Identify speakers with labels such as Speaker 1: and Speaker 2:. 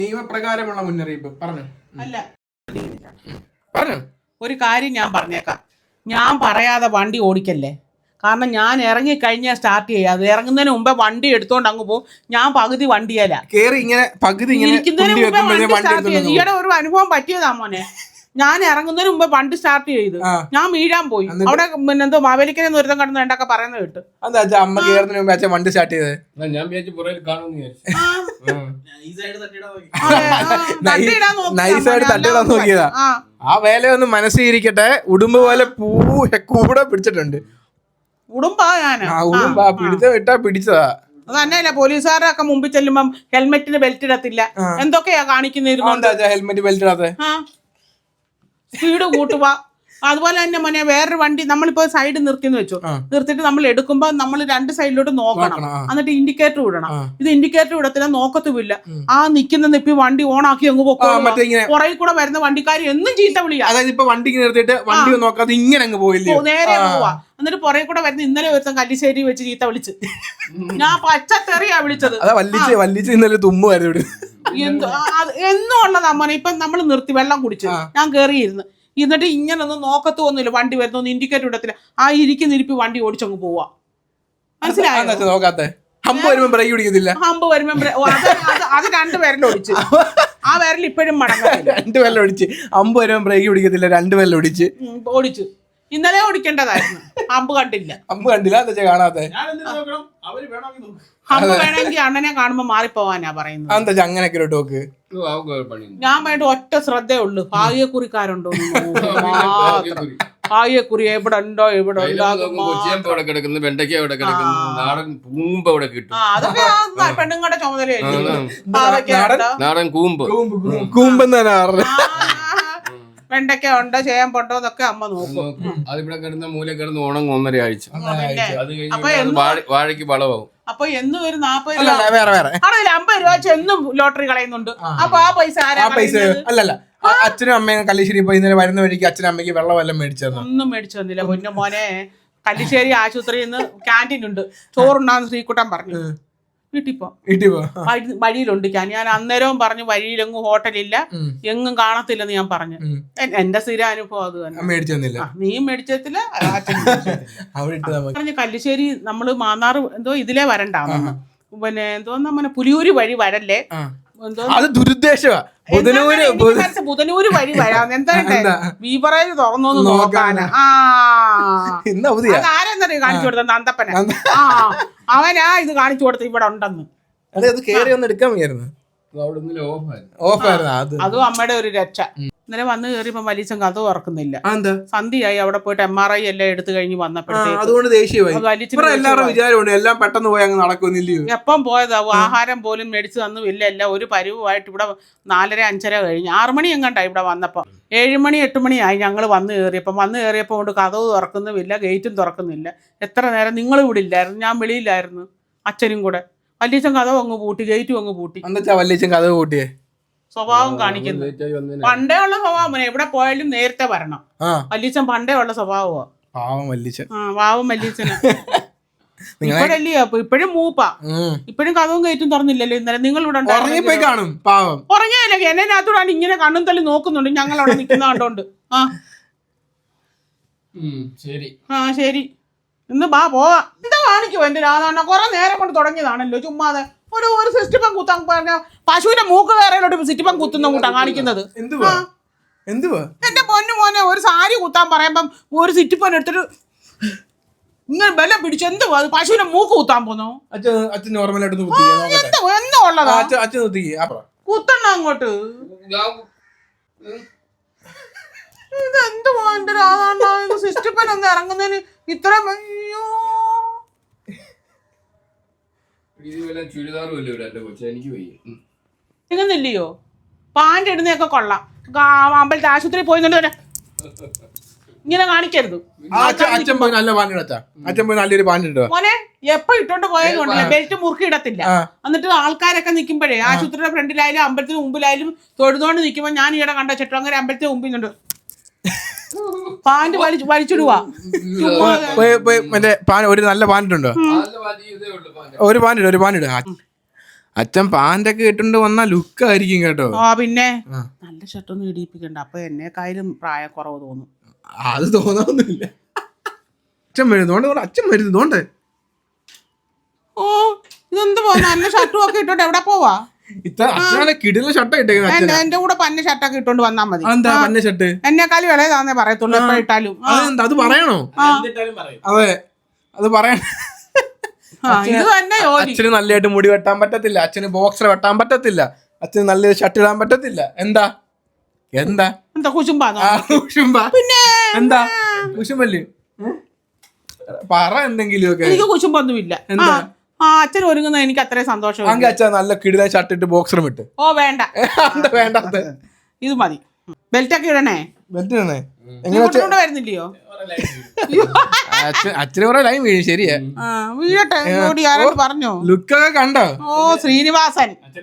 Speaker 1: നിയമപ്രകാരമുള്ള മുന്നറിയിപ്പ് പറഞ്ഞു.
Speaker 2: അല്ല
Speaker 1: പറഞ്ഞു
Speaker 2: ഒരു കാര്യം ഞാൻ പറഞ്ഞേക്കാം, ഞാൻ പറയാതെ വണ്ടി ഓടിക്കല്ലേ. കാരണം ഞാൻ ഇറങ്ങിക്കഴിഞ്ഞാൽ സ്റ്റാർട്ട് ചെയ്യാതെ ഇറങ്ങുന്നതിന് മുമ്പേ വണ്ടി എടുത്തോണ്ട് അങ്ങ് പോകും. ഞാൻ പകുതി വണ്ടിയല്ല
Speaker 1: കേറി ഇങ്ങനെ പകുതി
Speaker 2: ഇരിക്കുന്നതിന് മുമ്പേ വണ്ടി സ്റ്റാർട്ട് ചെയ്തു. ഈയിടെ ഒരു അനുഭവം പറ്റിയതാ മോനെ. ഞാൻ ഇറങ്ങുന്നതിന് മുമ്പേ വണ്ടി സ്റ്റാർട്ട് ചെയ്തു, ഞാൻ വീഴാൻ പോയി. അവിടെ പിന്നെ എന്തോ മാവേലിക്കനെ ഒരുത്തം കടന്ന് വേണ്ടൊക്കെ പറയുന്നത് കേട്ട്.
Speaker 1: അമ്മ കേറുന്നതിന് മുമ്പേ അച്ഛൻ വണ്ടി സ്റ്റാർട്ട് ചെയ്തത്. നൈസായിട്ട് തട്ടിയിടാൻ നോക്കിയതാ. ആ വേലയൊന്ന് മനസ്സിരിക്കട്ടെ. ഉടുമ്പ് പോലെ കൂടെ പിടിച്ചിട്ടുണ്ട്.
Speaker 2: ഉടുമ്പാ ഞാന്
Speaker 1: ഉടുമ്പാ പിടിച്ച വിട്ടാ പിടിച്ചതാ.
Speaker 2: അത് തന്നെയല്ല, പോലീസുകാരൊക്കെ മുമ്പിൽ ചെല്ലുമ്പം ഹെൽമെറ്റിന് ബെൽറ്റ് ഇടത്തില്ല, എന്തൊക്കെയാ കാണിക്കുന്ന
Speaker 1: ഹെൽമെറ്റ് ബെൽറ്റ് ഇടാതെ
Speaker 2: സ്പീഡ് കൂട്ടുക. അതുപോലെ തന്നെ മോനെ വേറൊരു വണ്ടി നമ്മളിപ്പോ സൈഡ് നിർത്തിന്ന് വെച്ചു, നിർത്തിയിട്ട് നമ്മൾ എടുക്കുമ്പോ നമ്മൾ രണ്ട് സൈഡിലോട്ട് നോക്കണം, എന്നിട്ട് ഇൻഡിക്കേറ്റർ വിടണം. ഇത് ഇൻഡിക്കേറ്റർ വിടത്തില്ല, നോക്കത്തുമില്ല. ആ നിക്കുന്ന നിപ്പി വണ്ടി ഓൺ ആക്കി അങ്ങ് പോക്കും. പുറകിൽ കൂടെ വരുന്ന വണ്ടിക്കാർ എന്നും ചീത്ത വിളിയാ.
Speaker 1: അതായത് ഇപ്പൊ വണ്ടി നിർത്തിയിട്ട് വണ്ടി നോക്കാതെ ഇങ്ങനെ അങ്ങ് പോയില്ലേ,
Speaker 2: നേരെ പോവാ. എന്നിട്ട് പുറകെ കൂടെ വരുന്ന ഇന്നലെ ഒരുത്തം കല്ലിശ്ശേരി വെച്ച് ചീത്ത വിളിച്ച്, ഞാൻ പച്ചത്തെറിയാ വിളിച്ചത്. എന്നും ഉള്ളതാ മോനെ. ഇപ്പൊ നമ്മൾ നിർത്തി വെള്ളം കുടിച്ചു, ഞാൻ കേറിയിരുന്നു. എന്നിട്ട് ഇങ്ങനൊന്നും നോക്കത്തൊന്നുമില്ല, വണ്ടി വരുന്ന ഇൻഡിക്കേറ്റർ ഇടത്തില്ല. ആ ഇരിപ്പി വണ്ടി ഓടിച്ചങ്ങ് പോവാ. മനസ്സിലായോ?
Speaker 1: ഹമ്പ് വരുമ്പോ
Speaker 2: അത് രണ്ട് വിരൽ ഒടിച്ച്, ആ വിരൽ ഇപ്പോഴും മടങ്ങത്തില്ല.
Speaker 1: രണ്ട് വിരൽ ഒടിച്ച് ഹമ്പ് വരുമ്പോ ബ്രേക്ക് പിടിക്കത്തില്ല, രണ്ട് വിരൽ ഓടിച്ച്.
Speaker 2: ഇന്നലെ ഓടിക്കേണ്ടതായിരുന്നു, ഹമ്പ് കണ്ടില്ല.
Speaker 1: ഹമ്പ് കണ്ടില്ല എന്താ കാണാത്തെ?
Speaker 2: ഹമ്പ് വേണമെങ്കിൽ അണ്ണനെ കാണുമ്പോ മാറിപ്പോവാനാ പറയുന്നത്.
Speaker 1: എന്താ അങ്ങനെയൊക്കെ ടോക്ക്?
Speaker 2: ഞാൻ വേണ്ട ഒറ്റ ശ്രദ്ധയുള്ളൂ, ഭാഗ്യക്കുറിക്കാരുണ്ടോ, ഭാഗ്യക്കുറി എവിടെ ഉണ്ടോ, എവിടെ അതൊക്കെ പെണ്ണുങ്ങളുടെ ചുമതലയായിരിക്കും. വെണ്ടയ്ക്ക ഉണ്ടോ ചേമ്പുണ്ടോ എന്നൊക്കെ അമ്മ നോക്കും.
Speaker 3: അതിവിടെ കിടന്ന മൂല കിടന്ന് ഉണങ്ങും 1.5 ആഴ്ച. വാഴയ്ക്ക് വളമാവും.
Speaker 2: അപ്പൊ എന്നും ഒരു 40 രൂപ 50 രൂപ വെച്ച് എന്നും ലോട്ടറി കളയുന്നുണ്ട്. അപ്പൊ ആ പൈസ
Speaker 1: അല്ലല്ല, അച്ഛനും അമ്മയും കല്ലിശ്ശേരി പോയി ഇന്നലെ വരുന്ന വഴിക്ക് അച്ഛനും അമ്മയ്ക്ക് വെള്ളം വല്ലതും മേടിച്ചു
Speaker 2: ഒന്നും മേടിച്ചു തന്നില്ല. പൊന്നു മോനെ, കല്ലിശ്ശേരി ആശുപത്രിയിൽ നിന്ന് ക്യാൻറ്റീൻ ഉണ്ട്, ചോറുണ്ടാന്ന് ശ്രീകുട്ടൻ പറഞ്ഞു. വീട്ടിൽ പോ, വഴിയിലുണ്ട് ഞാൻ അന്നേരവും പറഞ്ഞു വഴിയിലെങ്ങും ഹോട്ടലില്ല, എങ്ങും കാണത്തില്ലെന്ന് ഞാൻ പറഞ്ഞു. എന്റെ സ്ഥിര അനുഭവം അത് തന്നെ. നീയും മേടിച്ചത്തില്ല, പറഞ്ഞു കല്ലിശ്ശേരി നമ്മള് മാന്നാറ് എന്തോ ഇതിലേ വരണ്ടാന്ന്, പിന്നെ എന്തോന്നാ പുലിയൂര് വഴി വരല്ലേ, ബുധനൂര് വഴി വരാം. എന്താ ബീവറേജ് തുറന്നോന്ന് നോക്കാനാ. ആരെന്നറിയ കാണിച്ചു കൊടുത്ത നന്ദപ്പന, അവനാ ഇത് കാണിച്ചു കൊടുത്ത ഇവിടെ ഉണ്ടെന്ന്. അതും അമ്മയുടെ ഒരു രക്ഷ. ഇന്നലെ വന്ന് കയറിയപ്പോ വലിയ കഥ തുറക്കുന്നില്ല. സന്ധ്യയായി, അവിടെ പോയിട്ട് MRI എല്ലാം എടുത്തു കഴിഞ്ഞ് എപ്പം പോയതാ. ആഹാരം പോലും മേടിച്ചു തന്നു ഇല്ല. എല്ലാം ഒരു പരിവുമായിട്ട് ഇവിടെ 4:30-5:30 കഴിഞ്ഞ് 6 മണി എങ്ങാണ്ടായി ഇവിടെ വന്നപ്പോ. 7 മണി 8 മണിയായി ഞങ്ങൾ വന്ന് കയറിയപ്പോ കൊണ്ട് കഥവ് തുറക്കുന്നുമില്ല, ഗേറ്റും തുറക്കുന്നില്ല. എത്ര നേരം നിങ്ങൾ ഇവിടെ ഇല്ലായിരുന്നു, ഞാൻ വെളിയിലായിരുന്നു, അച്ഛനും കൂടെ. വല്യച്ഛൻ കഥവ് അങ്ങ് പൂട്ടി, ഗേറ്റും അങ്ങ് പൂട്ടി.
Speaker 1: കഥവ് പൂട്ടിയേ
Speaker 2: സ്വഭാവം കാണിക്കുന്നു. പണ്ടേ ഉള്ള സ്വഭാവം, എവിടെ പോയാലും നേരത്തെ വരണം. വല്യച്ഛൻ പണ്ടേ ഉള്ള സ്വഭാവമാ. പാവം വല്യച്ഛന് ഇപ്പോഴല്ലേ, ഇപ്പോഴും മൂപ്പാ. ഇപ്പോഴും കഥവും കയറ്റും തുറന്നില്ലല്ലോ. ഇന്നലെ നിങ്ങൾ ഇവിടെ ഉറങ്ങിയല്ലേ, എന്നതിനകത്തൂടാണ് ഇങ്ങനെ കണ്ണും തള്ളി നോക്കുന്നുണ്ട് ഞങ്ങൾ അവിടെ നിൽക്കുന്ന കണ്ടോണ്ട്. ശരി ഇന്ന് പോവാ. എന്താ കാണിക്കുവോ എന്റെ രാധാരണ? കുറെ നേരം കൊണ്ട് തുടങ്ങിയതാണല്ലോ ചുമ്മാതെ. ഒരു സിസ്റ്റിപ്പം കുത്താൻ പറഞ്ഞ പശുവിന്റെ മൂക്ക് വേറെയിലോട്ട് സിറ്റിപ്പം കുത്തുന്ന കൂട്ടാ കാണിക്കുന്നത്. എന്റെ പൊന്നു മോനെ, ഒരു സാരി കുത്താൻ പറയുമ്പം ഒരു സിറ്റിപ്പൻ എടുത്തിട്ട് ഇങ്ങനെ ബലം പിടിച്ചു. എന്തുവാ അത്? പശുവിന്റെ മൂക്ക് കുത്താൻ പോന്നോ? എന്തോ ഉള്ളതാ, കുത്തണ്ട അങ്ങോട്ട്. ഇതെന്തുവാ എന്റെ രാധാരണ? സിസ്റ്റിപ്പൻ ഒന്ന് ഇറങ്ങുന്നതിന് ഇത്ര ഇങ്ങന്നില്ലയോ? പാൻ്റ് ഇടുന്നതൊക്കെ കൊള്ളാം. അമ്പലത്തെ ആശുപത്രി പോയി ഇങ്ങനെ കാണിക്കരുത് മോനെ. എപ്പോ ഇട്ടോണ്ട് പോയതുകൊണ്ടല്ലേ, ബെൽറ്റ് മുറുക്കി ഇടത്തില്ല. എന്നിട്ട് ആൾക്കാരൊക്കെ നിൽക്കുമ്പോഴേ ആശുപത്രിയുടെ ഫ്രണ്ടിലായാലും അമ്പലത്തിന് മുമ്പിലായാലും തൊഴുതോണ്ട് നിൽക്കുമ്പോ ഞാൻ ഈയിടെ കണ്ട ചെട്ടങ്ങനെ അമ്പലത്തിന് മുമ്പിൽ പാന്റ് വലിച്ചിടുവാ.
Speaker 1: ഒരു നല്ല പാൻറ്റുണ്ടോ? ഒരു പാൻറ്റ് അച്ഛൻ പാൻ്റൊക്കെ ഇട്ടുകൊണ്ട് വന്ന ലുക്ക് ആയിരിക്കും കേട്ടോ.
Speaker 2: ആ പിന്നെ
Speaker 1: ആ.
Speaker 2: നല്ല ഷർട്ടൊന്നും ഇടിയിപ്പിക്കണ്ട, അപ്പൊ എന്നെക്കായാലും പ്രായക്കുറവ് തോന്നും.
Speaker 1: അത് തോന്നാവുന്നില്ല. അച്ഛൻ വരുന്നോണ്ട് അച്ഛൻ വരുന്നോണ്ട്.
Speaker 2: ഓ ഇതെന്ത് പോ നല്ല ഷർട്ടും ഒക്കെ ഇട്ടോണ്ട് എവിടെ പോവാ?
Speaker 1: ഇത്ര അച്ഛനെ കിടില ഷർട്ട് ഇട്ടേക്കുന്നത്.
Speaker 2: എന്റെ കൂടെ പന്ന ഷർട്ടൊക്കെ ഇട്ടോണ്ട് വന്നാ മതി.
Speaker 1: എന്താ പന്ന ഷർട്ട്?
Speaker 2: എന്നെക്കാളും ഇളയതാന്നേ പറയത്തുള്ളൂ എപ്പോഴിട്ടാലും.
Speaker 1: അതെന്താ അത് പറയണോ? അതെ അത് പറയണം.
Speaker 2: ഇത് തന്നെ ജോലി.
Speaker 1: അച്ഛന് നല്ലതായിട്ട് മുടി വെട്ടാൻ പറ്റത്തില്ല, അച്ഛന് ബോക്സർ വെട്ടാൻ പറ്റത്തില്ല, അച്ഛന് നല്ലൊരു ഷർട്ട് ഇടാൻ പറ്റത്തില്ല. എന്താ എന്താ
Speaker 2: എന്താ കുശുമ്പാന്നോ?
Speaker 1: പിന്നെ എന്താ കുശുമ്പല്ലേ? പറ എന്തെങ്കിലും ഒക്കെ.
Speaker 2: എനിക്ക് കുശുമ്പൊന്നുമില്ല.
Speaker 1: എന്താ
Speaker 2: അച്ഛൻ ഒരുങ്ങുന്ന എനിക്ക് അത്രയും സന്തോഷം.
Speaker 1: അങ്ങ് അച്ഛൻ നല്ല കിടില ഷർട്ട് ഇട്ട് ബോക്സറും ഇട്ട്.
Speaker 2: ഓ വേണ്ട,
Speaker 1: എന്താ വേണ്ടത്?
Speaker 2: ഇത് മതി. ബെൽറ്റ് ഒക്കെ ഇടണേ.
Speaker 1: ബെൽറ്റ് ഇടണേ. എങ്ങനെ
Speaker 2: വരുന്നില്ലയോ?
Speaker 1: അച്ഛന് കുറെ ലൈൻ വീഴും. ശരിയാ,
Speaker 2: വീഴട്ടെ. ആരോട് പറഞ്ഞോ?
Speaker 1: ലുക്കൊക്കെ കണ്ടോ?
Speaker 2: ഓ ശ്രീനിവാസൻ.